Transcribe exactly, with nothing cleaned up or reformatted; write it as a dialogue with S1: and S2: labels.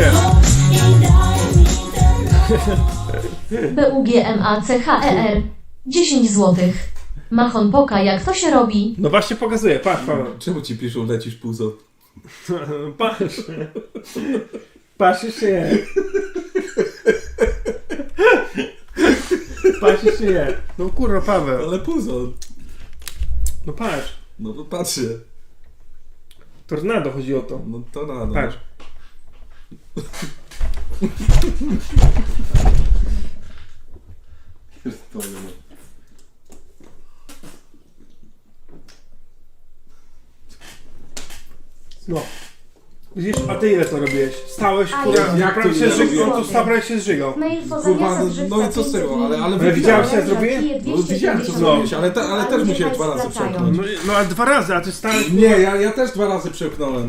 S1: pokazuję.
S2: B U G M A C H E R dziesięć złotych. Machon poka, jak to się robi?
S1: No właśnie pokazuję, patrz Paweł.
S3: Czemu ci piszą lecisz puzo?
S1: Patrz. Patrz jeszcze je. Patrz jeszcze je. No kurwa Paweł.
S3: Ale puzo.
S1: No patrz.
S3: No to patrzę.
S1: Tornado chodzi o to.
S3: No to rano.
S1: Patrz. No. Widzisz, a ty ile to robiłeś? Stałeś,
S2: A
S1: kurwa,
S2: ja-
S3: Jak to
S1: prawie się
S3: ile
S1: żygał,
S3: robiłem?
S1: on tu stał, prawie się zżygał.
S2: Mail poza
S3: Kurwa,
S2: miasta
S3: no-
S2: żywca
S3: no i co z tego,
S2: pięćset
S3: ale- ale
S2: milionów.
S1: widziałeś, co ja zrobiłem?
S3: No widziałem co
S1: No.
S3: zrobiłeś, ale, te, ale też musiałem dwa razy
S2: Wracają.
S3: przełknąć.
S1: No, no a dwa razy, a ty stałeś...
S3: Nie, ja, ja też dwa razy przełknąłem.